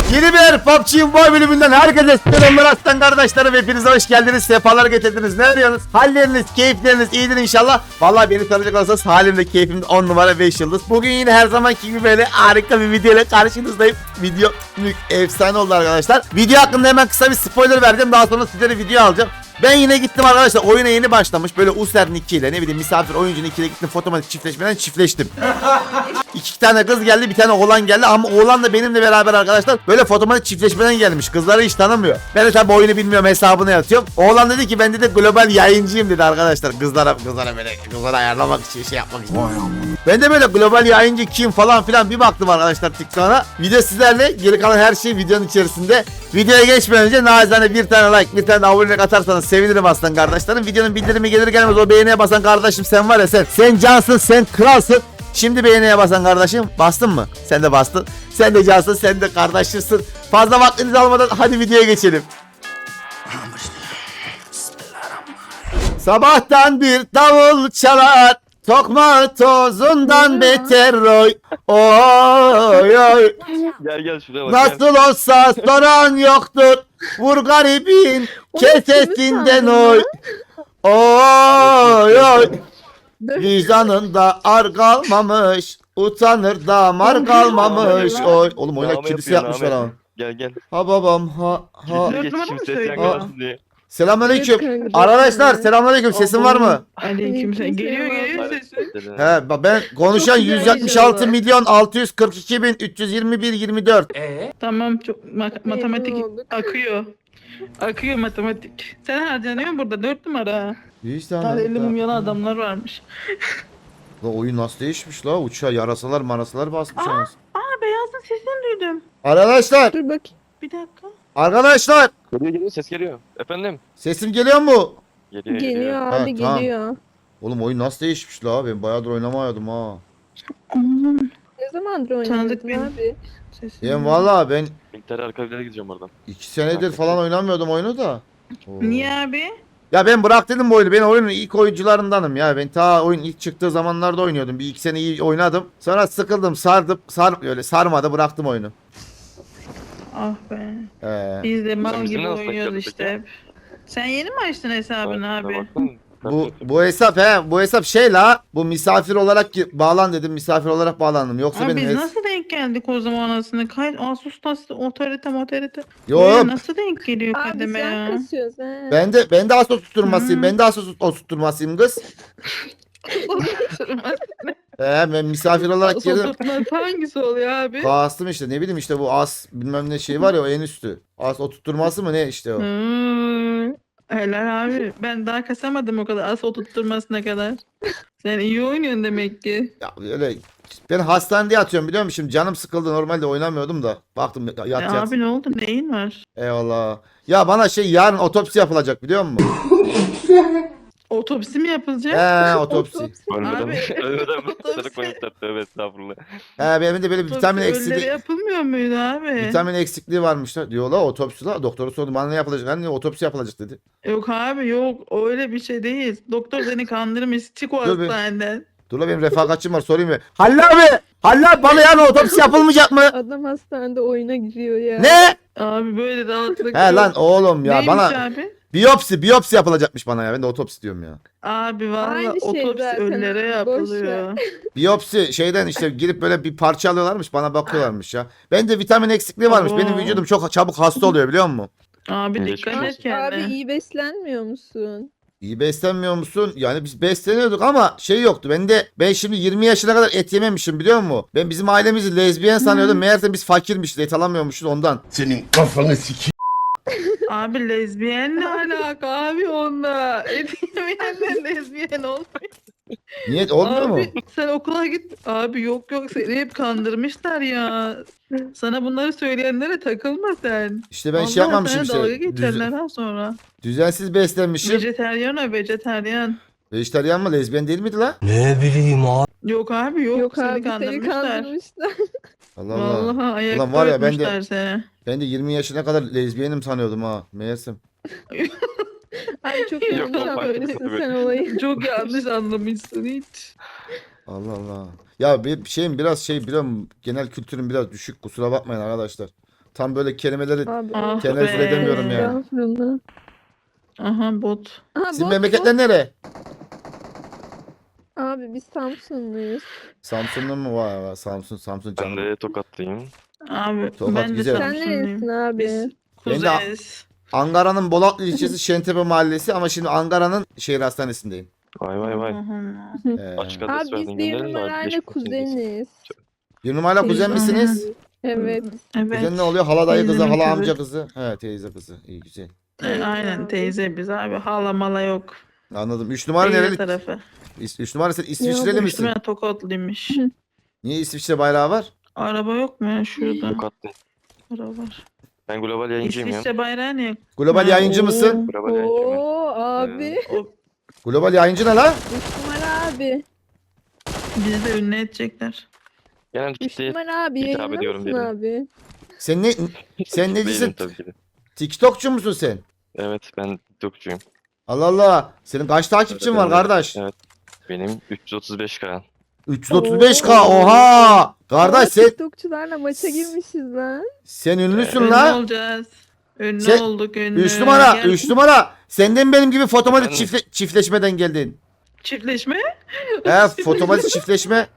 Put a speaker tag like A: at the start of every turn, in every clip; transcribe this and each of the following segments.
A: Yeni bir PUBG Mobile bölümünden herkese selamlar aslan kardeşlerim. Hepinize hoş geldiniz. Sefalar getirdiniz. Ne arıyorsunuz? Halleriniz, keyifleriniz iyidir inşallah. Vallahi beni tanıyacak olursanız halimde keyfimde 10 numara 5 yıldız. Bugün yine her zamanki gibi böyle harika bir video ile karşınızdayım. Video efsane oldu arkadaşlar. Video hakkında hemen kısa bir spoiler vereceğim. Daha sonra sizlere video alacağım. Ben yine gittim arkadaşlar, oyuna yeni başlamış böyle User Nick ile, ne bileyim misafir oyuncu Nick ile gittim, fotomatik çiftleşmeden çiftleştim. İki tane kız geldi, bir tane oğlan geldi ama oğlan da benimle beraber arkadaşlar böyle fotomatik çiftleşmeden gelmiş. Kızları hiç tanımıyor. Ben de tabi oyunu bilmiyorum, hesabını yatıyorum. Oğlan dedi ki ben de global yayıncıyım dedi arkadaşlar. Kızlara böyle kızlara ayarlamak için, şey yapmak için. Ben de böyle global yayıncı kim falan filan bir baktım arkadaşlar TikTok'a. Video sizlerle, geri kalan her şey videonun içerisinde. Videoya geçmeden önce naçizane bir tane like, bir tane de abonelik atarsanız sevinirim aslan kardeşlerim. Videonun bildirimi gelir gelmez o beğeniye basan kardeşim, sen var ya sen cansın, sen kralsın. Şimdi beğeniye basan kardeşim, bastın mı? Sen de bastın. Sen de cansın, sen de kardeşimsin. Fazla vaktinizi almadan hadi videoya geçelim. Sabahtan bir davul çalar, tokma tozundan beter oy. Oy oy.
B: Gel şuraya bak.
A: Nasıl olsa soran yoktur. Vur garibin kesesinden oy. Oy oy. Vicdanında ar kalmamış. Utanır da mar kalmamış. Oy. Oğlum oyuna kilise yapmışlar ama.
B: Gel.
A: Ha babam ha.
B: Geç şimdi ses yakalarsın diye.
A: Selamünaleyküm. Arkadaşlar selamünaleyküm. Sesim var mı?
C: Aleykümselam. Geliyor sesin.
A: He ben konuşan 176 milyon 642 bin 321 24.
C: Tamam, çok matematik akıyor. Akıyor matematik. Sen harcanıyorsun burada 4 numara.
A: İşte
C: Daha 50 mumyalı adamlar varmış.
A: La oyun nasıl değişmiş la? Uçağa yarasalar marasalar basmış anasını.
C: Beyazın sesini duydum.
A: Arkadaşlar.
D: Dur bak.
C: Bir dakika.
A: Arkadaşlar.
B: Geliyor ses geliyor. Efendim?
A: Sesim geliyor mu?
D: Geliyor
A: Ha,
D: abi
A: tamam.
D: geliyor.
A: Oğlum oyun nasıl değişmiş la? Ben bayağıdır oynamayordum ha.
D: Ne zamandır
C: Tanıdık
D: oynadın
C: beni.
D: abi?
C: Sesini.
A: Ben valla ben
B: İntihar arka bir gideceğim oradan.
A: 2 senedir falan oynamıyordum oyunu da. Oo.
C: Niye abi?
A: Ya ben bırak dedim bu oyunu. Ben oyunun ilk oyuncularındanım ya. Ben ta oyun ilk çıktığı zamanlarda oynuyordum. Bir iki sene iyi oynadım. Sonra sıkıldım, öyle sarmadı, bıraktım oyunu.
C: Ah be. Biz de
B: Sen
C: mal
B: bizimle
C: gibi
B: nasıl
C: oynuyoruz
B: takıldık
C: işte
B: ya?
C: hep. Sen yeni mi açtın hesabını abi?
A: Bu hesap şey la. Bu misafir olarak bağlan dedim. Misafir olarak bağlandım. Yoksa
C: Abi
A: benim
C: biz nasıl denk geldik o zaman anasını? Asus'ta otorite.
A: Yok.
C: Böyle nasıl denk geliyor
D: Abi
C: kademe
D: sen
C: ya?
D: kasıyorsun he.
A: Ben de Asos tutturmasıyım.
C: Hı.
A: Ben de Asos tutturmasıyım kız. Ben misafir olarak girdim.
C: Oturtması hangisi oluyor abi?
A: Kastım işte, ne bileyim işte bu as bilmem ne şey var ya, o en üstü. As oturtturması mı ne işte o.
C: Helal abi. Ben daha kasamadım o kadar. Az oturtturmasına kadar. Sen iyi oynuyorsun demek ki.
A: Ya öyle ben hastanede yatıyorum biliyor musun? Şimdi canım sıkıldı, normalde oynamıyordum da. Baktım yat.
C: Abi ne oldu? Neyin var?
A: Eyvallah. Ya bana yarın otopsi yapılacak biliyor musun?
C: Otopsi mi yapılacak?
A: Otopsi.
B: Ölmeden
C: Otopsi.
B: sana koymuşlar. Tövbe estağfurullah.
A: Benim de böyle bir vitamin
C: Otopsi ölülere
A: eksikliği.
C: yapılmıyor muydu abi?
A: Vitamin eksikliği varmış da diyorlar, otopsi la. Doktora sordum bana ne yapılacak? Hani otopsi yapılacak dedi.
C: Yok abi yok. Öyle bir şey değil. Doktor seni kandırmış. Çık o
A: Dur be.
C: hastaneden.
A: Dur la, benim refakatçim var, sorayım mı? Halil abi! Halil abi, bana yarın otopsi yapılmayacak mı?
D: Adam hastanede oyuna giriyor ya.
A: Ne?
C: Abi böyle rahatlık
A: He
C: yok.
A: lan oğlum ya,
C: Neymiş
A: bana
C: abi?
A: biyopsi yapılacakmış bana ya. Ben de otopsi diyorum ya.
C: Abi valla
D: Aynı şey
C: otopsi
D: zaten
C: ölülere
D: abi, boş
C: yapılıyor.
A: Biyopsi şeyden işte girip böyle bir parça alıyorlarmış, bana bakıyorlarmış ya. Bende vitamin eksikliği varmış.
C: Abo.
A: Benim vücudum çok çabuk hasta oluyor biliyor musun?
C: Abi
B: Geçmiş
C: dikkat et
B: olsun.
C: kendine.
D: Abi iyi beslenmiyor musun?
A: İyi beslenmiyor musun? Yani biz besleniyorduk ama şey yoktu. Ben şimdi 20 yaşına kadar et yememişim biliyor musun? Ben bizim ailemizi lezbiyen sanıyordum. Meğerse biz fakirmişiz, et alamıyormuşuz ondan.
E: Senin kafanı sikeyim.
C: Abi lezbiyen ne alaka abi onunla? Etyemeyenler lezbiyen olmuyor.
A: Niye olmuyor mu?
C: Abi sen okula git. Abi yok seni hep kandırmışlar ya. Sana bunları söyleyenlere takılma sen.
A: İşte ben
C: Allah
A: şey yapmamışım
C: sana dalga
A: işte.
C: geçerler ha sonra.
A: Düzensiz beslenmişim.
C: Vejeteryan o vejeteryan.
A: Vejetaryen mı, lezbiyen değil miydi la?
C: Yok abi yok,
D: Yok
C: seni
D: abi seni
C: kandırmışlar.
D: kandırmışlar.
A: Allah Allah.
C: Vallahi ayakta
A: Ulan var ya, ben de-
C: öpmüşler seni.
A: Ben de 20 yaşına kadar lezbiyenim sanıyordum ha. Meğersem.
D: Ay çok
B: Yok,
D: yanlış
B: yok,
D: anlamışsın
B: farklı
D: sen olayı.
C: Çok yanlış anlamışsın hiç.
A: Allah Allah. Ya bir şeyim biraz biliyorum, genel kültürüm biraz düşük, kusura bakmayın arkadaşlar. Tam böyle kelimeleri
D: Abi.
C: Ah
A: tenezzül
C: be.
A: edemiyorum ya.
D: Estağfurullah.
C: Aha bot.
D: Aha,
A: Sizin
D: bot,
A: memleketler nere?
D: bot. Abi biz Samsunluyuz.
A: Samsun'da mı var? Var. Samsun
B: Ben
A: canım.
B: de Tokatlıyım.
C: Abi
A: Tokat
C: ben de
A: güzel.
D: Sen neresin
C: Samsunluyum.
D: abi?
C: Biz
A: Ben de-
C: kuzeniz.
A: Ankara'nın Bolatlı ilçesi Şentepe mahallesi ama şimdi Ankara'nın şehir hastanesindeyim.
B: Vay vay vay. Açık adres
D: Abi biz
B: verdin,
D: bir
B: gönderelim mi?
D: numarayla
B: Geçmiş olsun diyeceğiz.
D: kuzeniz.
A: Bir numaralı kuzen
C: Teyze,
A: misiniz?
D: Evet.
C: Evet.
A: Kuzen ne oluyor? Hala dayı kızı,
C: Teyzemin
A: hala
C: kızı.
A: amca kızı. He teyze kızı. İyi güzel.
C: Aynen teyze biz abi. Hala mala yok.
A: Anladım. 3 numara
C: Teyze
A: nereli?
C: tarafı.
A: 3 numara sen İsviçreli
D: bu
A: misin?
C: Üstüme Tokatlıymış.
A: Niye İsviçre bayrağı var?
C: Araba yok mu ya şurada?
B: Tokatlı.
C: Araba var.
B: Ben global yayıncıyım ya.
C: İsviçre bayrağı ne?
A: Global
C: Ha,
A: yayıncı
C: oo.
A: mısın?
B: Global yayıncıyım ben.
D: Oo abi.
C: O,
A: Global yayıncı ne la?
D: 3 numara abi.
C: bizi de ünlü edecekler.
B: Genel
D: 3
B: kitleye
D: numara abi.
B: hitap
D: Yayınlar
B: ediyorum
D: mısın
B: dedim.
D: abi?
A: Sen ne sen
B: değilim
A: necisin?
B: tabii ki de.
A: TikTokçu musun sen?
B: Evet ben TikTokçuyum.
A: Allah Allah. Senin kaç takipçin
B: Evet,
A: var
B: evet.
A: kardeş?
B: Evet. Benim 335K.
A: 335K. Oha! Kardeş sen
D: TikTokçularla maça girmişiz lan.
A: sen ünlüsün
C: Ünlü
A: la.
C: olacağız. Ünlü
A: Sen-
C: olduk ünlü.
A: 3 numara,
C: Gel-
A: 3 numara. Senden benim gibi fotomatik
B: Efendim?
A: çiftleşmeden geldin.
C: Çiftleşme?
A: He, fotomatik çiftleşme.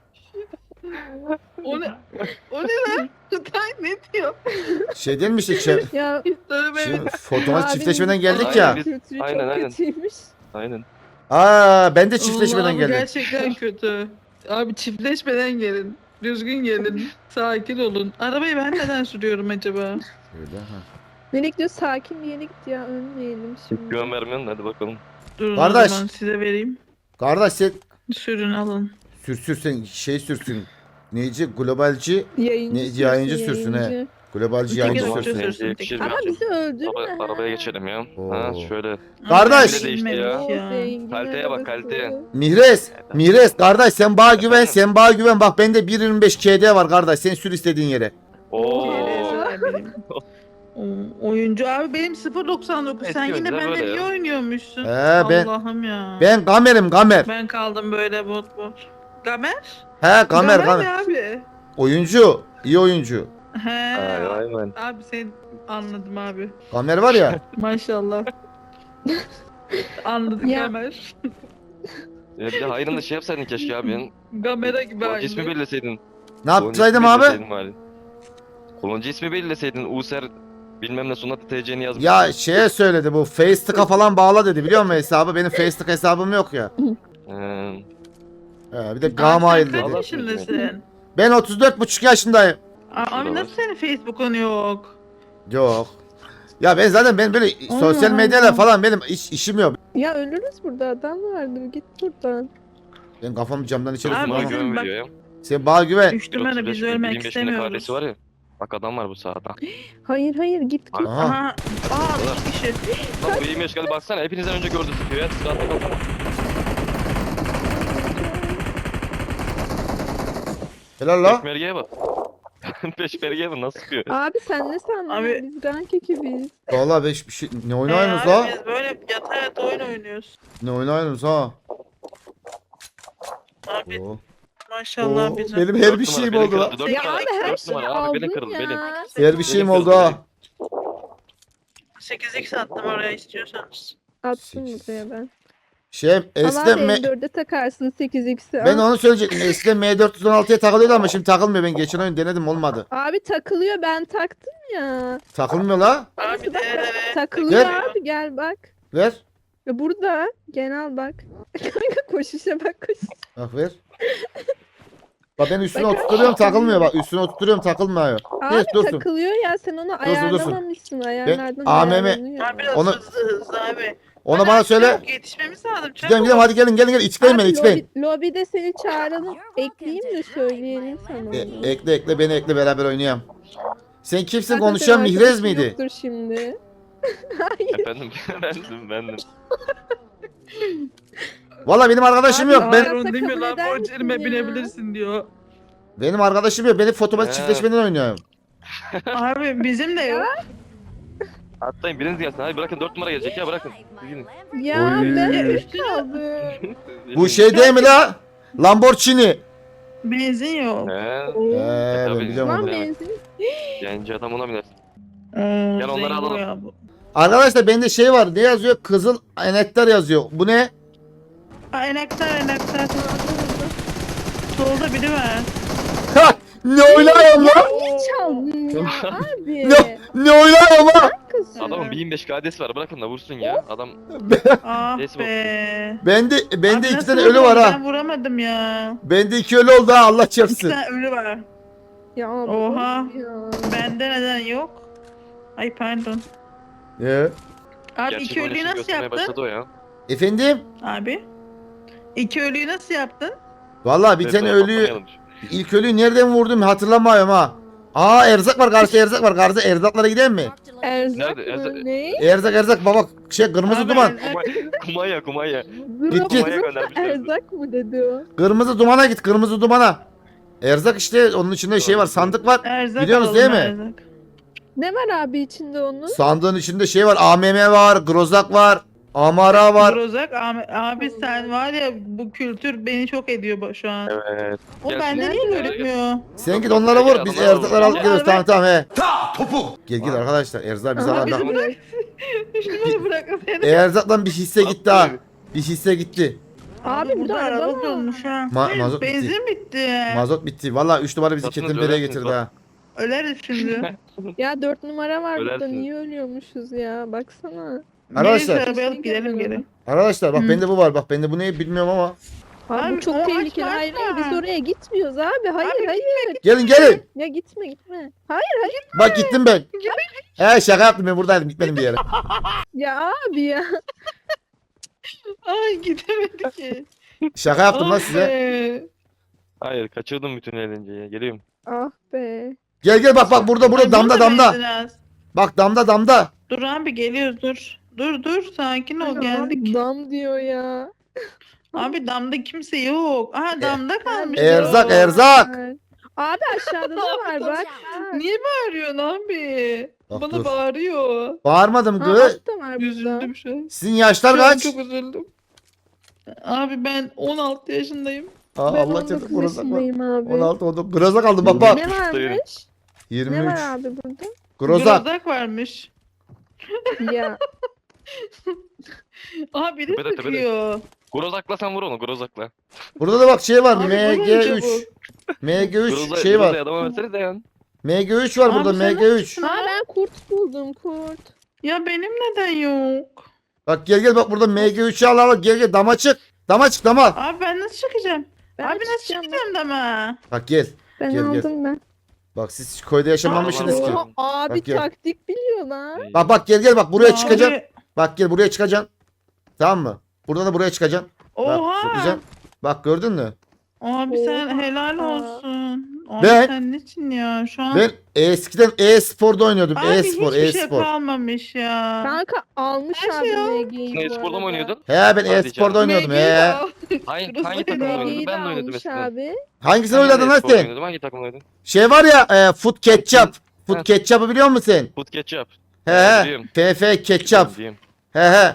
C: O ne? O ne lan? Kutay ne diyor?
A: Şey değil mi işte
D: Ya
C: Tövbe.
A: şimdi fotomatik
D: abinin
A: çiftleşmeden geldik
B: Aynen,
A: ya.
B: biz-
D: kültürü
B: aynen,
D: çok
B: aynen.
D: kötüymüş.
B: Aynen.
A: Aa ben de çiftleşmeden
C: Vallahi bu
A: geldim.
C: gerçekten kötü. Abi çiftleşmeden gelin. Düzgün gelin. Sakin olun. Arabayı ben neden sürüyorum acaba?
A: Öyle, ha.
D: Nereye gidiyor? Sakin bir yere git ya. Önleyelim şimdi.
B: Güven vermiyorsun hadi bakalım.
C: Durun
A: Kardeş.
C: o zaman size vereyim.
A: Kardeş sen
C: Sürün alın.
A: sen şey sürsün. Neyci? Globalci.
D: Yayıncı
A: Ne-
D: sürsün,
A: yayıncı sürsün, he.
D: yayıncı.
A: Globalci
C: Peki,
A: yayıncı
C: o
A: sürsün.
C: sürsün.
B: Yayıncıya yakışır
D: Ama
B: bence.
D: bizi öldürme.
B: Arabaya geçelim ya. Ha
A: Oo.
B: şöyle.
A: Kardeş.
B: Böyle değişti ya.
D: Oo, zengin
B: Kaliteye bak,
D: arabası.
B: kaliteye.
A: Mihres kardeş sen bana güven sen bana güven bak bende 1.25 KD var kardeş sen sür istediğin yere.
B: Oo.
C: Benim. Oyuncu abi benim 0.99. Sen
B: Eski
C: yine
B: oyuncular
C: benden
B: böyle
C: iyi
B: ya.
C: oynuyormuşsun.
A: Ben-
C: Allah'ım ya.
A: Ben kamerim kamer.
C: Ben kaldım böyle bot. Gamer?
A: He kamer
C: ne
A: kamer.
C: abi?
A: Oyuncu iyi oyuncu.
C: He.
B: Ay ay ben.
C: Abi sen anladım abi.
A: Kamer var ya.
C: Maşallah. Anladık
D: Ya.
C: Gamer.
B: Bir de hayrını da şey yapsaydın keşke abi. Yani.
C: Gamera gibi
B: Kullanıcı ismi
C: aynı.
B: belirleseydin.
A: Ne yapsaydım abi?
B: Kullanıcı ismi belirleseydin. User bilmem ne sonra TC'ni yazmış.
A: Ya şeye söyledi bu Facebook'a falan bağla dedi biliyor musun hesabı? Benim Facebook hesabım yok ya. Bir de
C: Abi
A: Gmail
C: sen kaç
A: dedi.
C: yaşındasın?
A: Ben 34,5 yaşındayım.
C: Abi
B: Şurada
C: nasıl senin Facebook'un yok?
A: Yok. Ya ben zaten böyle
C: Allah
A: sosyal medyayla
C: Allah.
A: falan benim işim yok.
D: Ya ölürüz burada, adam vardır, git buradan.
A: Ben kafamı camdan içeri
C: Abi
B: Bana
A: sokmam.
C: bizim
B: güven
C: bak-
B: veriyor ya.
A: Sen bana güven.
C: Üçlümene biz ölmek
B: 25 binde
C: istemiyoruz.
B: kardeşi var ya. Bak adam var bu sahada.
D: Hayır hayır, git git.
A: Aha.
C: Aha. Aa 3 kişi.
B: Lan bu 25 geldi baksana hepinizden önce gördü sıkıyor ya. Sıkı atla baksana.
A: Helal la.
B: Peşmergeye bak. Peşmergeye bak nasıl sıkıyor.
D: Abi sen ne sandın?
C: Abi-
D: Biz rank ekibiz.
A: Valla beş bir şey. Ne oynuyorsunuz
C: abi
A: la?
C: Biz böyle yata yata oyun oynuyoruz.
A: Ne oynuyorsunuz ha?
C: Abi
A: Oo.
C: maşallah
A: Oo,
C: bizim.
A: benim her bir
B: Dört numara,
A: şeyim
B: belin
A: oldu la.
B: kırıldı, dört
D: Ya
B: numara,
D: abi her
B: dört
D: şeyi
B: numara. Abi belin
D: aldın
B: kırıldı belin.
D: ya.
A: Her bir şeyim oldu ha.
C: 8x attım oraya istiyorsanız.
D: Attım
A: Sekiz.
D: buraya ben.
A: Şey
D: Ama
A: eskiden
D: abi M4'e takarsın 8x'i.
A: ben onu söyleyecektim. Eskiden M416'ya takılıyordu ama şimdi takılmıyor. Ben geçen oyun denedim olmadı.
D: Abi takılıyor, ben taktım ya.
A: Takılmıyor la.
C: Abi
D: Bak,
C: de
D: takılıyor
A: Ver.
D: abi, gel bak.
A: Ver.
D: Ya burada gel bak. Kanka koşuşa bak koşuş.
A: Bak ver. Bak ben üstüne
D: Bak,
A: oturtuyorum takılmıyor bak. Üstüne oturtuyorum takılmıyor.
D: Abi
A: Evet dursun.
D: takılıyor ya, sen onu ayarlamamışsın. Ayarlardan
A: AMM
D: ayarlanıyor.
C: Abi biraz
A: Onu-
C: hızlı abi.
A: Onu
C: Hadi
A: bana
C: abi,
A: söyle.
C: çabuk yetişmemiz lazım.
A: Gidelim gidelim hadi gelin gelin gelin. İçleyin beni
D: Abi
A: içleyin.
D: lobide seni çağıralım. Ekleyeyim de söyleyelim sana onu.
A: Ekle beni ekle beraber oynayalım. Sen kimsin
D: Zaten
A: konuşan
D: senin
A: Mihrez
D: arkadaşın
A: miydi?
D: Yoktur şimdi.
B: Efendim bendim.
A: Valla benim arkadaşım
D: Abi,
A: yok. Ben
C: Harun değil mi
D: kabul
C: lan?
D: eder misin
C: Borcerime
D: ya?
C: binebilirsin diyor.
A: benim arkadaşım yok. Benim fotomatik
B: He.
A: çiftleşmeden oynuyorum.
C: Abi bizim de yok.
B: Atlayın biriniz gelsin. Hadi bırakın 4 numara gelecek ya bırakın. Gidin.
D: Ya
A: Oy.
D: ben 3 kaldım.
A: Bu şey değil mi la? Lamborghini.
C: Benzin yok.
B: He.
C: Oo.
A: Ben
B: tabii.
A: biliyorum
D: Lan
A: onu.
B: Evet.
D: benzin.
B: Genci adam ona biner. Gel onları
C: Zengo
B: alalım.
C: ya bu.
A: Arkadaşlar bende şey var. Ne yazıyor? Kızıl enektar yazıyor. Bu ne?
C: Aa, enektar. Solda biri var.
A: Ha! Ne oynuyorum lan?
D: Ne çaldın ya abi?
A: Ne oynuyorum lan?
D: Kızım.
B: Adamın 1005 KD'si var, bırakın da vursun ya. Adam
C: Ah
B: Neyse
C: be.
A: Bende
C: Abi
A: iki
C: nasıl
A: tane ölü
C: vurdun?
A: var ha.
C: Ben vuramadım ya.
A: Bende 2 ölü oldu ha. Allah
C: İki
A: çarpsın.
C: tane ölü var.
D: Ya abi,
C: Oha.
D: ya.
C: Bende neden yok? Ay pardon. Abi
B: gerçek
C: iki ölüyü
B: oynayışını
C: nasıl
B: göstermeye
C: yaptın?
B: başladı o ya.
A: Efendim?
C: Abi. İki ölüyü nasıl yaptın?
A: Vallahi bir
B: Evet,
A: tane
B: böyle
A: ölüyü
B: patlamayalım.
A: ilk ölüyü nereden vurdum hatırlamıyorum ha. Aa erzak var karşıda erzak var. Karşıda erzaklara gidelim mi?
D: Erzak
B: Nerede?
D: mı?
B: Erzak-
D: Ne?
A: Erzak baba şey kırmızı
C: Abi,
A: duman.
B: Kumanya.
A: Git, git.
B: Kumanya göndermişler.
D: Erzak mı dedi o?
A: Kırmızı dumana git kırmızı dumana. Erzak işte onun içinde şey var sandık var.
C: Erzak
A: Biliyorsunuz
C: alalım,
A: değil mi?
C: erzak.
D: Ne var abi içinde onun?
A: Sandığın içinde şey var AMM var, Grozak var, Amara var.
C: Grozak abi sen var ya bu kültür beni çok ediyor şu an.
B: Evet.
C: O
B: Gel
C: bende
B: şimdi.
C: niye
B: Gel,
C: görünmüyor?
A: Sen git onlara vur biz
B: Adamlar
A: erzakları alıp
C: Abi,
A: geliyoruz
C: abi.
A: tamam he. Gel arkadaşlar erzak biz
D: Aha,
A: alalım.
C: Abi,
D: bırak.
C: Şunu bırakın seni.
A: Erzaktan bir hisse gitti ha. Bir hisse gitti.
D: Abi,
C: burada
D: burada
C: araba
D: araba var.
C: dolmuş ha.
A: Mazot bitti.
C: Benzin bitti.
A: Mazot bitti. Valla 3 numara bizi
B: Satınız
A: Ketimbere'ye
B: ölersiniz
A: getirdi
B: bak.
A: ha.
C: Öleriz şimdi.
D: Ya 4 numara var burada.
B: Ölersiniz.
D: Niye ölüyormuşuz ya? Baksana.
A: Arkadaşlar.
C: Neyse arabaya alıp gidelim geri.
A: Arkadaşlar bak
C: Hı.
A: bende bu var. Bak bende bu ne bilmiyorum ama.
D: Abi,
C: Abi,
D: bu çok
C: o
D: tehlikeli.
C: açma,
D: Hayır
C: açma.
D: biz oraya gitmiyoruz abi. Hayır
C: Abi,
D: hayır.
A: Gelin.
D: Ya gitme. Hayır.
A: Bak gittim ben. He şaka yaptım ben buradaydım gitmedim bir yere.
D: Ya abi ya.
C: Ay gidemedik ki.
A: Şaka yaptım lan
C: Ah
A: size.
C: be.
B: Hayır, kaçırdım bütün eğlenceyi. Geliyorum.
D: Ah be.
A: Gel bak burada
C: Ay,
A: damda
C: burada
A: damda.
C: benzin az.
A: Bak damda.
C: Dur abi geliyoruz dur. Dur sakin ol geldik.
D: Dam diyor ya.
C: Abi damda kimse yok. Aha damda kalmış.
A: Erzak
C: ya.
A: erzak.
D: Abi aşağıda da var bak.
C: Niye bağırıyorsun abi?
A: Bak,
C: Bana
A: dur.
C: bağırıyor.
A: Bağırmadım
D: Ha,
A: kız.
D: altta var burada.
C: Üzüldüm şu an.
A: Sizin yaşlar
C: Şu an
A: kaç?
C: çok üzüldüm. Abi ben 16 yaşındayım.
A: Aa,
D: Ben
A: Allah
D: 19
A: çarpsın Grozak var.
D: yaşındayım abi.
A: 16 oldu. Grozak aldım bak bak.
D: Ne varmış?
A: 23.
D: Ne var abi burada?
A: Grozak.
C: Grozak varmış.
D: Ya
C: Aha biri
B: Tepede, tepede.
C: sıkıyor.
B: Grozakla sen vur onu, Grozakla.
A: Burada da bak şey var.
C: Abi, vurun
A: MG3.
C: çabuk.
A: MG3 şey var.
B: Adama verseniz de yani.
A: MG3 var
C: Abi
A: burada
C: sen
A: MG3.
D: ha, ben kurt buldum kurt.
C: Ya benim neden yok?
A: Bak gel bak burada MG3'ü al gel dama çık. Dama.
C: Abi ben nasıl çıkacağım?
D: Ben
C: Abi nasıl
D: çıkacağım,
C: çıkacağım dama?
A: Bak gel.
D: Ben
A: Gel.
D: aldım ben.
A: Bak siz köyde yaşamamışsınız ki.
B: Allah.
D: Oha, abi
A: Bak gel.
D: taktik biliyor lan.
A: Bak gel bak buraya
C: Abi,
A: çıkacaksın. Bak gel buraya çıkacaksın. Tamam mı? Burada da buraya çıkacaksın. Bak
C: Oha.
A: zıplayacaksın. Bak gördün mü?
C: Abi sen
D: Oha.
C: helal olsun. Abi
A: Ben-
C: sen niçin ya şu an?
A: Ben eskiden e-sporda oynuyordum.
C: Abi
A: E-spor,
C: hiçbir şey
A: e-spor.
C: kalmamış ya.
D: Kanka almış
C: Her
D: abi
C: şey al.
D: MG'yi
B: Ne
D: bu
B: sporda mı
D: arada.
B: oynuyordun?
A: He ben
B: Hadi
A: e-sporda
B: canım.
A: oynuyordum
C: MG'yi de
A: he.
C: al.
B: Hangi
C: Grozak
B: takımda oynuyordun?
D: MG'yi de
B: Ben de oynadım
D: almış
B: eskiden.
D: abi.
A: Hangisini
B: Ben de
A: oynadın lan
B: e-spor
A: sen?
B: oynuyordum. Hangi takımda oynadın?
A: Şey var ya Foot Ketchup. Foot
B: Ha.
A: Ketchup'ı biliyor musun sen?
B: Foot Ketchup.
A: He
B: Biliyorum.
A: FF Ketchup.
B: Biliyorum.
A: He.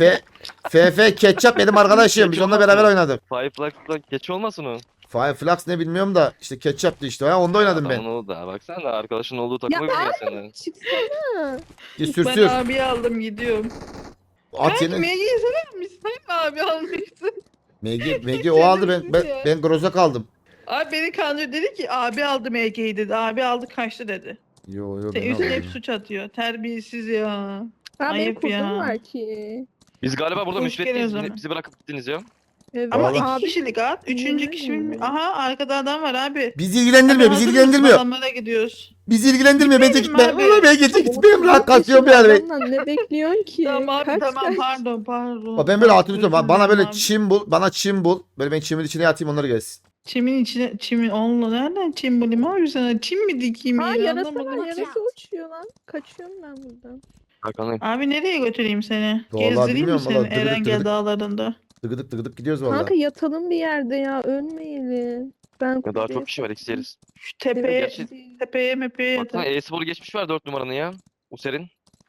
A: FF Ketchup benim arkadaşım. Biz onunla beraber oynadık.
B: Five Flags'la geç olmasın o.
A: Five Flags ne bilmiyorum da işte Ketchup'tı işte. Ha, onda oynadım ben.
B: Adamın oldu da. Baksana da arkadaşın olduğu takımı biliyor senden.
D: Çıksana.
A: Sür
C: Ben
A: sür.
C: abi aldım gidiyorum.
A: At
C: Belki
A: yeni.
C: MG'yi sever misin? Abi almışsın.
A: MG o aldı ben Grozak aldım.
C: Abi beni kandırıyor dedi ki abi aldı MG'yi dedi. Abi aldı kaçtı dedi.
A: Yo
C: Sen
A: ben
C: üstüne hep
A: aldım.
C: suç atıyor. Terbiyesiz ya.
D: Ha benim
C: Ayıp
D: kurtum
C: ya.
D: var ki.
B: Biz galiba burada
C: Hoş
B: müsbetteyiz.
C: geldiniz ama.
B: Bizi bırakıp gittiniz ya.
D: Evet.
C: Ama
A: Vallahi.
C: iki kişilik at. Üçüncü
D: Yemin
C: kişi
D: ederim.
C: Aha arkada adam var abi.
A: Bizi ilgilendirmiyor, bizi
C: Abi, hazır mısın?
A: ilgilendirmiyor.
C: Adamlara gidiyoruz.
A: Bizi ilgilendirmiyor. Bence
C: Gitmeyelim
A: gitme.
C: abi.
A: Ama ben gece gitmeyeyim. Rahat
D: Kaç
A: kasıyorum
D: yaşında
A: yani.
D: adamdan ne bekliyorsun ki?
C: Tamam abi
D: Kaç,
C: tamam
D: kaç?
C: pardon.
A: Bak ben böyle altını tutuyorum.
C: Özür
A: Bana böyle
C: dilerim abi.
A: çim bul. Bana çim bul. Böyle ben çimin içine yatayım onları gelsin.
C: Çimin içine çimin Allah nereden çim bulayım abi sana çim mi dikeyim
D: Ha
C: ya
D: yarası
C: anlamadım
D: var
C: ki.
D: yarası uçuyor lan. Kaçıyorum ben buradan.
B: Bakalım.
C: Abi nereye götüreyim seni?
A: Vallahi
C: Gezdireyim mi
A: bilmiyorum,
C: seni
A: vallahi dıgıdık
C: Erengel
A: dıgıdık.
C: dağlarında?
A: Tıgıdık gidiyoruz valla.
D: Kanka yatalım bir yerde ya ölmeyelim. Ben
B: Ya daha
D: kuzeye
B: çok kişi var, eksi yeriz.
C: Şu tepeye
B: Gerçi-
C: tepeye mepeye
B: Baksana
C: yatalım.
B: e-spor geçmiş var 4 numaranı ya. User'in.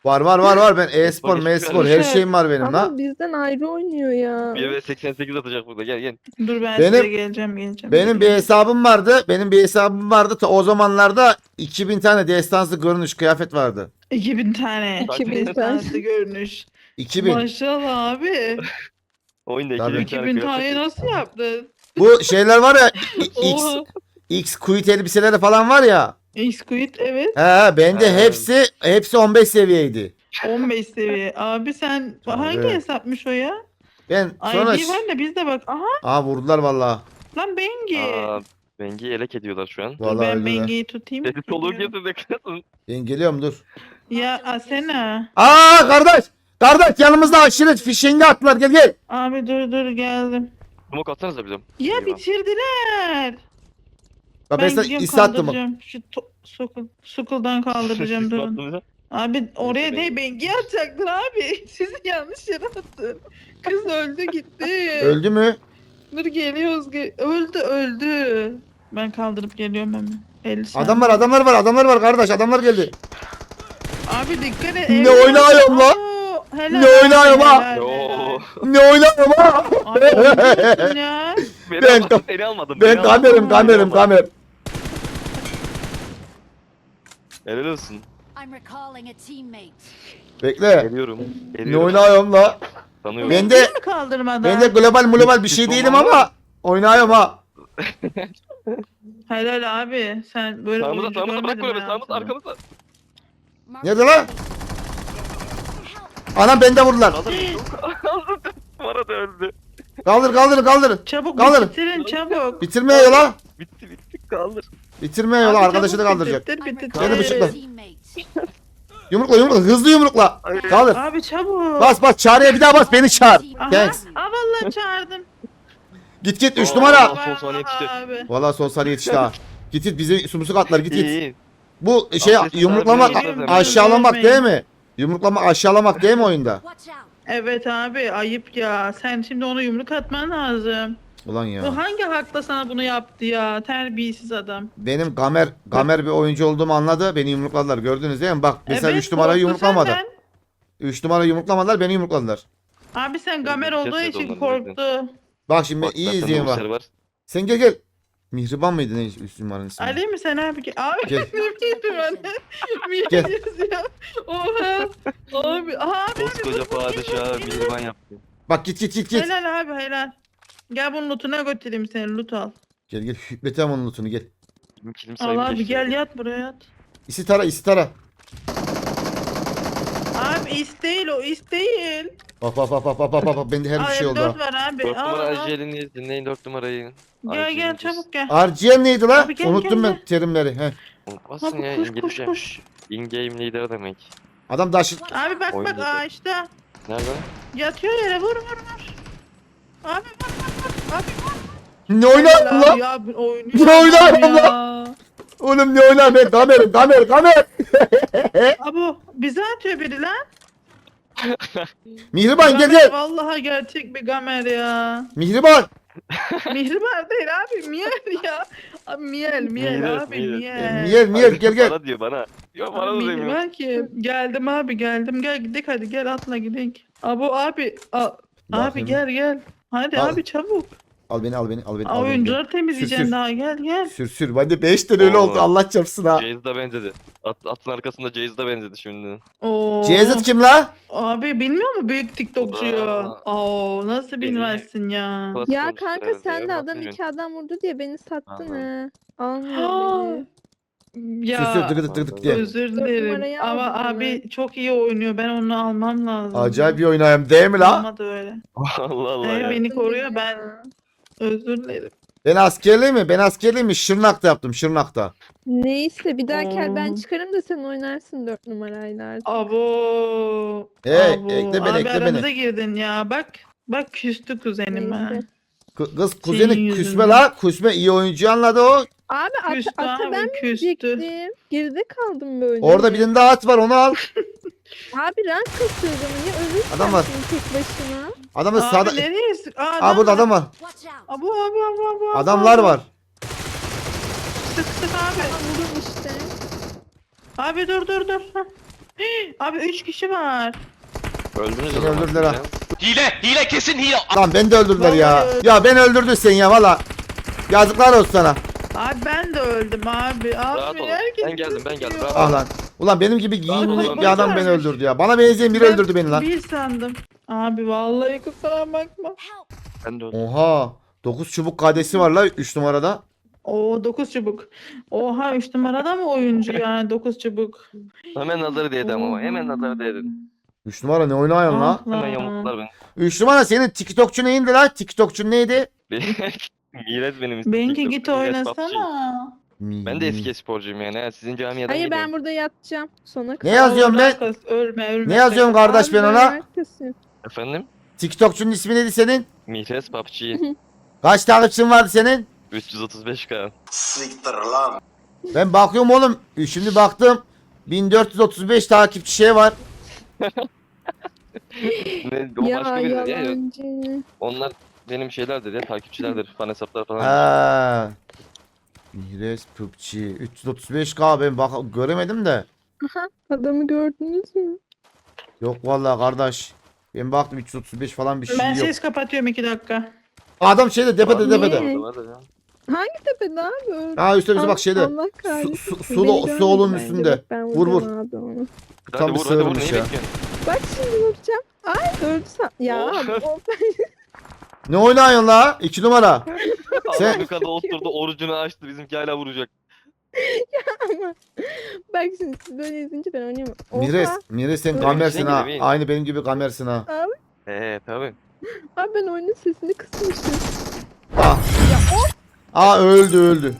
A: Var. Ben e-spor,
B: Bak,
A: m-spor
B: hiçbir
A: her şeyim var benim
D: Ama
A: la.
D: bizden ayrı oynuyor ya.
B: 1 ve 88 atacak burada. Gel.
C: Dur ben
A: Benim-
C: size geleceğim.
A: Benim bir hesabım vardı. Ta o zamanlarda 2000 tane destansı görünüş kıyafet vardı.
C: 2000 tane.
D: 2000 tane.
C: Destansı görünüş.
A: 2000.
C: Maşallah abi.
B: Oyunda
A: Tabii.
B: 2000
C: 2000 tane nasıl yaptın?
A: Bu şeyler var ya X
C: Oha.
A: X quit elbiseleri falan var ya.
C: X-Quid evet.
A: Bende
B: Ha.
A: hepsi 15 seviyeydi.
C: 15 seviye. Abi sen hangi
A: Evet.
C: hesapmış o ya?
A: Ben sonra
C: ID var da biz de bak. Aha
A: vurdular vallahi.
C: lan Bengi.
B: Aa, Bengi'yi elek ediyorlar şu an.
C: Dur
A: Vallahi
C: ben
A: öldüler.
C: Bengi'yi tutayım.
B: Sesi soluğu
C: Geliyorum.
B: getir de kızım.
A: Ben geliyorum dur.
C: Ya Asena.
A: Kardeş yanımızda aşiret fişengi attılar gel.
C: Abi dur geldim.
B: Smoke atsanıza bize.
C: Ya
B: Eyvah.
C: bitirdiler.
A: Bak ben sana
C: gidiyorum
A: iste attım bak.
C: kaldıracağım. Şu Sukul'dan kaldıracağım durun.
B: Attınız.
C: Abi oraya
B: Neyse,
C: değil Bengi'yi atacaktın abi. Sizi yanlış yere attın. Kız öldü gitti.
A: Öldü mü?
C: Dur geliyoruz. Öldü. Ben kaldırıp geliyorum hemen. 50 saniye.
A: Adamlar var kardeş adamlar geldi.
C: Abi dikkat et.
A: Ne
C: evlat.
A: oynuyorum lan?
C: Oo, helal
A: Ne
C: abi,
A: oynuyorum lan?
C: helal,
B: Yo.
C: helal.
A: Ne oynuyorum ha?
C: Abi oynuyorsun ya.
B: Beni
A: Ben-
B: almadın, seni almadım.
A: Ben
B: beni almadın.
A: kamerim.
B: Helal olsun.
E: I'm recalling a teammate.
A: Bekle.
B: Geliyorum.
A: Ne oynuyorum la?
B: Tanıyorum.
A: Ben de-
C: Değil mi kaldırmadan?
A: Ben de global bir şey değilim ama oynuyorum ha.
C: Helal abi. Sen böyle
B: Sağımıza
C: oyuncu
B: bırak
C: görmedim
B: kulübe.
C: hayatımda.
B: Sağımıza arkamıza.
A: Nerede lan? Anam bende vurdular.
B: Kaldır. Bana da öldü.
A: Kaldır.
C: Çabuk
A: Kaldır.
C: bitirin çabuk.
A: Bitirmiyor la.
B: Bitti kaldır.
A: Bitirmiyor la
C: Abi
A: arkadaşı da
C: çabuk
A: kaldıracak.
C: bitir.
A: Beni bıçakla.
E: Teammate.
A: Yumrukla hızlı yumrukla. Kaldır.
C: Abi çabuk.
A: Bas çağrıya bir daha bas beni çağır.
C: Aha.
A: Thanks.
C: Aa vallahi çağırdım.
A: Git 3
B: Oo.
A: numara.
B: Son saniye yetişti.
C: Abi.
A: Valla son saniye yetişti ha. Git bizi sumsuk atlar git.
B: İyi.
A: Bu şey
B: Affet,
A: yumruklamak
B: affet,
A: aşağılamak
C: affet.
A: değil mi? Yumruklama aşağılamak değil mi oyunda?
E: Watch out.
C: Evet abi ayıp ya. Sen şimdi ona yumruk atman lazım.
A: Ulan ya.
C: Bu hangi hakla sana bunu yaptı ya? Terbiyesiz adam.
A: Benim Gamer bir oyuncu olduğumu anladı. Beni yumrukladılar. Gördünüz değil mi? Bak mesela 3 numarayı
C: korktu
A: yumruklamadı.
C: senden.
A: 3 numarayı yumruklamadılar. Beni yumrukladılar.
C: Abi sen gamer olduğu
B: Kesmedi
C: için
B: onları
C: korktu.
A: Bak şimdi
B: Bak,
A: iyi
B: zaten
A: izleyin
B: Uğur
A: bak. Sen gel. Mihriban mıydı ne 3 numaranın ismi?
C: Ali mi sen abi? Abi
A: Gel.
C: ne bileyim anne.
A: Gel.
C: Ya. Oha. Abi. Aha abi.
B: Koskoca padişahı mihriban yaptı.
A: Bak git.
C: Helal abi helal. Gel bunun lootuna götüreyim seni loot al.
A: Gel hükmetem onun lootunu gel.
B: Benim kilim
C: Al
B: sayımı
C: abi
B: geçti.
C: gel yat buraya yat.
A: İstara.
C: Abi is değil o is değil.
A: Bak. Bende her bir şey oldu
C: M4
A: ha.
C: var abi.
B: 4
C: Al,
B: numara
C: al.
B: Ajel'ini dinleyin 4 numarayı.
C: Gel çabuk gel.
A: RGM neydi la?
C: Abi gel,
A: Unuttum
C: gel,
A: ben terimleri. Heh.
B: Unutmazsın
C: Abi
B: ya
C: koş
B: İngilizce.
C: koş.
B: In-game leader demek.
A: Adam daş.
C: Abi bak
B: Oyun
C: bak
B: dedi.
C: ağaçta.
B: Nerede?
C: Yatıyor yere vur. Abi vur. Abi vur.
A: Ne oynar
C: Helal
A: lan?
C: abi, ya, oynuyor
A: Ne oynar
C: adam
A: lan?
C: ya.
A: Oğlum ne oynar ben kamer.
C: Abi bize atıyor biri lan.
A: Mihriban
C: Gamer
A: gel.
C: Vallahi gerçek bir gamer ya.
A: Mihriban.
C: Mihriban değil abi miel ya. Abi miel
B: Miel,
C: abi
B: miel.
C: miel.
A: Gel.
B: Bana diyor bana. Yok bana da
C: Abi
B: demiyor.
C: Mihriban ki geldim abi geldim gel gidelim hadi gel atla gidelim. Abi abi gel. Hadi
A: Al.
C: abi çabuk.
A: Al beni.
C: Oyuncuları temizleyeceğim
A: Sür.
C: daha gel.
A: Sür. Bende 5 tane öyle
B: Oo.
A: oldu Allah çarpsın ha.
B: Jayz da benzedi. Atın arkasında Jayz da benzedi şimdi.
C: Oo.
A: Cezit kim la?
C: Abi bilmiyor mu büyük TikTokçuyu?
B: Aa.
C: Oo nasıl bilmezsin ya?
B: Klas
D: Ya
B: konuştu
D: kanka
B: herhalde
D: sen de
B: ya,
D: adam
B: bilmiyorum.
D: 2 adam vurdu diye beni sattın
B: Anladım.
D: ha. Almıyor beni.
C: Ya
A: Tıkıdık diye.
C: özür
D: Dört
C: dilerim
D: numarayı
C: ama
D: aldım
C: abi çok iyi oynuyor. Ben onu almam lazım.
A: Acayip bir oynayayım değil mi la?
C: Olmadı öyle.
B: Allah Allah
C: Evet,
B: ya.
C: beni koruyor ben özür dilerim.
A: Ben askerliği mi? Şırnak'ta yaptım Şırnak'ta.
D: Neyse bir dahaki el ben
C: Oo.
D: çıkarım da sen oynarsın 4 numarayla artık.
C: Abo.
A: Hey,
C: abo.
A: ekle beni,
C: Abi
A: ekle beni.
C: aramıza girdin ya bak. Bak küstü kuzenim ha.
D: Neyse.
A: Kız kuzeni
C: Senin
A: küsme
C: yüzünden.
A: la. Küsme iyi oyuncu anladı o.
D: Abi
C: Küstü
D: ata
C: abi
D: ben mi
C: küstü.
D: diyecektim? Geride kaldım böyle.
A: Orada bir tane daha at var onu al.
D: Abi rank kasıyordum ya ölürsün
A: Adam var.
D: tek başına.
A: Adamın
C: Abi
A: sağda.
C: nereye sık?
A: Aa burada adam var.
E: Watch out.
C: Abo.
A: Adamlar var.
C: Sık abi.
D: Vurdum işte.
C: Abi dur. Hah. Abi 3 kişi var.
B: Öldünüz
A: Beni
B: o zaman.
A: öldürdüler ha.
F: Hile kesin hile.
A: Lan beni de öldürdüler ya.
C: Vallahi
A: Ya beni öldürdün sen ya valla. Yazıklar olsun sana.
C: Abi ben de öldüm abi.
B: Rahat
C: Abi
B: olun.
C: herkes
B: Ben geldim, ben geldim.
C: tutuyor.
B: Rahat
A: Ah lan. Ulan benim gibi giyimli
B: Oğlum,
A: bir adam beni
C: varmış.
A: öldürdü ya. Bana benzeyen biri
C: Ben
A: öldürdü beni lan.
C: Bir sandım. Abi vallahi kusura bakma.
E: Help!
B: Ben de öldüm.
A: Oha. 9 çubuk kadesi var la 3 numarada.
C: Oo 9 çubuk. Oha 3 numarada mı oyuncu yani 9 çubuk.
B: Hemen nazarı değdi ama. Hemen nazarı değdi.
A: 3 numara ne oynuyorsun la?
C: Ah
B: Hemen
C: lan.
B: yamulttular beni.
A: 3 numara senin TikTokçu neyindi la? TikTokçu neydi?
B: Miret benim ismim.
C: Benimki
B: TikTok,
C: git
B: Miret PUBG.
C: oynasana.
B: Ben de eski sporcuyum yani. Ha, sizin camiadan
D: Hayır ben
B: geliyorum.
D: burada yatacağım. Sona
A: Ne
D: kadar.
A: yazıyorum ben?
C: Ölme.
A: Ne yazıyorum kardeş
D: Abi
A: ben ona?
D: neredesin?
B: Efendim?
A: TikTokçunun ismi neydi senin?
B: Miret PUBG.
A: Kaç takipçin vardı senin?
B: 335k.
A: Ben bakıyorum oğlum. Şimdi baktım. 1435 takipçi şey var.
B: Ne, o
D: Ya
B: başka biri ya.
D: yalancı.
B: Onlar benim şeylerdir ya, takipçilerdir. Fan hesaplar falan.
A: Ha. Mihres PUBG 335k ben bak göremedim de.
D: Adamı gördünüz mü?
A: Yok vallahi kardeş. Ben baktım 335 falan bir şey
C: Ben
A: yok.
C: ses kapatıyorum 2 dakika.
A: Adam şeyde tepede
D: Niye?
A: tepede.
B: Vardır ya.
D: Hangi tepede abi?
A: Ha üstte bak şeyde.
D: Allah kahretsin.
A: Su,
D: Beni
A: su
D: görmedi
A: olun
D: bence.
A: üstünde.
D: Bak, ben
A: Vur,
D: vuracağım abi onu.
B: Hadi
A: Tam bir
B: vur, hadi vur.
A: sığırmış
B: Neyi
A: ya.
B: bekliyorsun?
D: Bak şimdi vuracağım. Ay öldü ya
B: Oh.
D: abi, o-
A: Ne oynuyorsun la? 2 numara. Sen-
B: Adam yukarıda oturdu, orucunu açtı. Bizimki hala vuracak.
D: ama bak şimdi siz böyle izleyince ben oynayamam.
A: Mires sen
D: Öyle
A: kamersin
B: bir şey
A: ha.
B: gibi değil.
A: Aynı benim gibi kamersin ha.
B: Tabii.
D: Abi ben oyunun sesini kısmışım.
A: Ah. Öldü.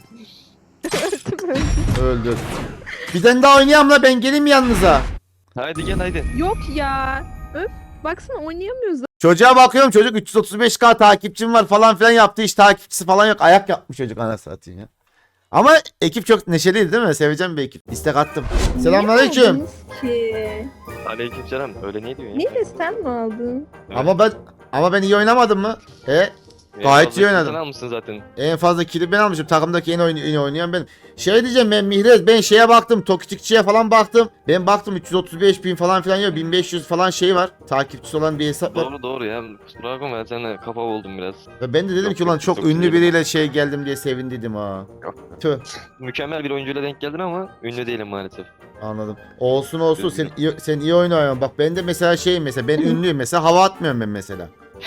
A: Öldü. Bir tane daha oynayalım la ben geleyim mi yanınıza?
B: Haydi gel haydi.
D: Yok ya. Öf. Baksana oynayamıyoruz.
A: Çocuğa bakıyorum çocuk 335k takipçim var falan filan yaptı hiç takipçisi falan yok. Ayak yapmış çocuk anasını satayım ya. Ama ekip çok neşeliydi değil mi? Seveceğim bir ekip. İstek attım. Selamünaleyküm.
D: Niye aldınız ki?
B: Aleykümselam. Öyle niye diyorsun ya?
D: Niye sen mi aldın?
B: Evet.
A: Ama ben iyi oynamadım mı? Gayet
B: fazla
A: iyi oynadım.
B: Sen almışsın zaten.
A: En fazla kili ben almışım. Takımdaki en oynayan benim. Şey diyeceğim ben Mihrez ben şeye baktım. Tokitikçiye falan baktım. Ben baktım 335 bin falan filan yok. 1500 falan şey var. Takipçisi olan bir hesap var.
B: Doğru ya. Kusura bakma ben seninle kafa oldum biraz.
A: Ve ben de dedim
B: Yok,
A: ki ulan
B: yok,
A: çok
B: çok
A: ünlü
B: iyi.
A: biriyle şey geldim diye sevindiydim ha.
B: Yok.
A: Tüh.
B: Mükemmel bir oyuncuyla denk geldin ama ünlü değilim maalesef.
A: Anladım. Olsun sen iyi oynuyorsun. Bak ben de mesela şeyim mesela ben ünlüyüm mesela hava atmıyorum ben mesela.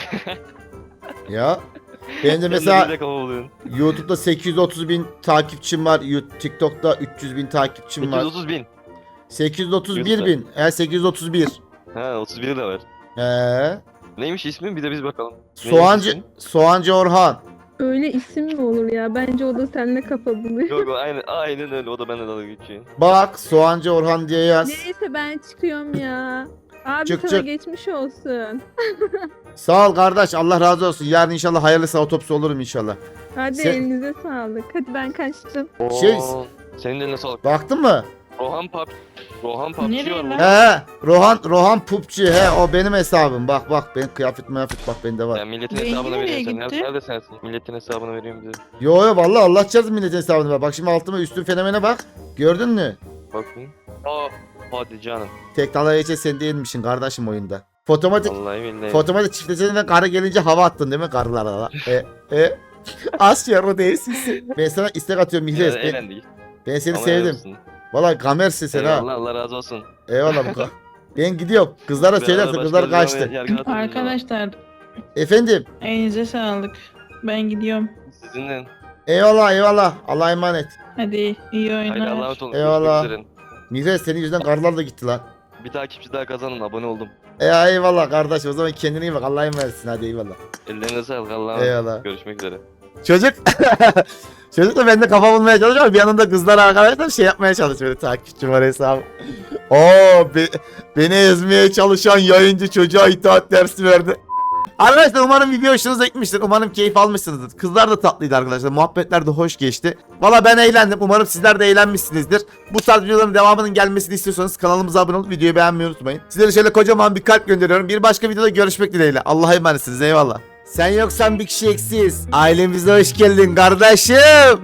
A: Ya ben de
B: Sen
A: mesela
B: bize kafa buluyorsun.
A: YouTube'da 830 bin takipçim var. TikTok'ta 300 bin takipçim var.
B: 230 bin.
A: 831 bin. 831.
B: Ha 31 de var.
A: Ee,
B: Neymiş ismin? Bir de biz bakalım.
A: Soğancı Orhan.
D: Öyle isim mi olur ya? Bence o da seninle kafa buluyor.
B: Yok aynen öyle. O da benden dalga geçiyor.
A: Bak Soğancı Orhan diye yaz.
D: Neyse ben çıkıyorum ya. Abi
A: Çık,
D: sana
A: çık.
D: geçmiş olsun.
A: Sağ ol kardeş Allah razı olsun. Yarın inşallah hayırlısı otopsi olurum inşallah.
D: Hadi
A: Sen-
D: elinize sağlık. Hadi ben kaçtım.
A: Şey-
B: Oo, senin de eline sağlık.
A: Baktın mı?
B: Rohan PUBG
C: Nereye
B: var
C: lan?
B: burada.
A: Rohan PUBG o benim hesabım. Bak ben kıyafet bak bende var.
B: Ya milletin
C: Rengi
B: hesabını
C: nereye
B: veriyorsun sen.
C: gitti?
B: Nerede sensin? Milletin hesabını veriyorum bize.
A: Yo vallahi Allah çarpsın milletin hesabını bak. Bak şimdi altıma üstün fenomene bak. Gördün mü?
B: Bakın. Aa hadi canım.
A: Tek dalga geçe sen değilmişsin kardeşim oyunda. Fotomatik
B: Vallahi billahi.
A: Fotomatik çiftleşene karı gelince hava attın değil mi karılara? Asya o değilsin. Ben sana istek atıyorum Mihres.
B: Eğlendik.
A: Ben seni
B: Ama
A: sevdim.
B: helal olsun.
A: Valla kamersin sen ha.
B: Eyvallah Allah razı olsun.
A: Eyvallah bu Ben gidiyorum. Kızlara söylerse
B: Beraber
A: kızlar
B: başka bir
A: kaçtı.
B: zaman yargılatırız ama.
C: Arkadaşlar
A: Efendim.
C: elinize sağlık. Ben gidiyorum.
B: Sizinle.
A: Eyvallah. Allah'a emanet.
C: Hadi iyi
B: Haydi Allah'a
C: oyunlar.
B: emanet olun.
A: Eyvallah.
B: Görüşmek üzere.
A: Mihres senin yüzünden karılar da gitti lan.
B: Bir takipçi daha kazanın. Abone oldum.
A: Eyvallah kardeş o zaman kendine iyi bak. Allah'a emanetsin hadi eyvallah.
B: Ellerine sağlık. Allah'a emanet.
A: Eyvallah.
B: Görüşmek üzere.
A: Çocuk Çocuk da bende kafa bulmaya çalışıyor ama bir yanında kızlar arkadaşlar şey yapmaya çalışıyor böyle takipçi var hesabı. Beni ezmeye çalışan yayıncı çocuğa itaat dersi verdi. Arkadaşlar umarım video hoşunuza gitmiştir. Umarım keyif almışsınızdır. Kızlar da tatlıydı arkadaşlar. Muhabbetler de hoş geçti. Valla ben eğlendim. Umarım sizler de eğlenmişsinizdir. Bu tarz videoların devamının gelmesini istiyorsanız kanalımıza abone olup videoyu beğenmeyi unutmayın. Sizlere şöyle kocaman bir kalp gönderiyorum. Bir başka videoda görüşmek dileğiyle. Allah'a emanetsiniz. Eyvallah. Sen yoksan bir kişi eksiz. Ailemize hoş geldin kardeşim.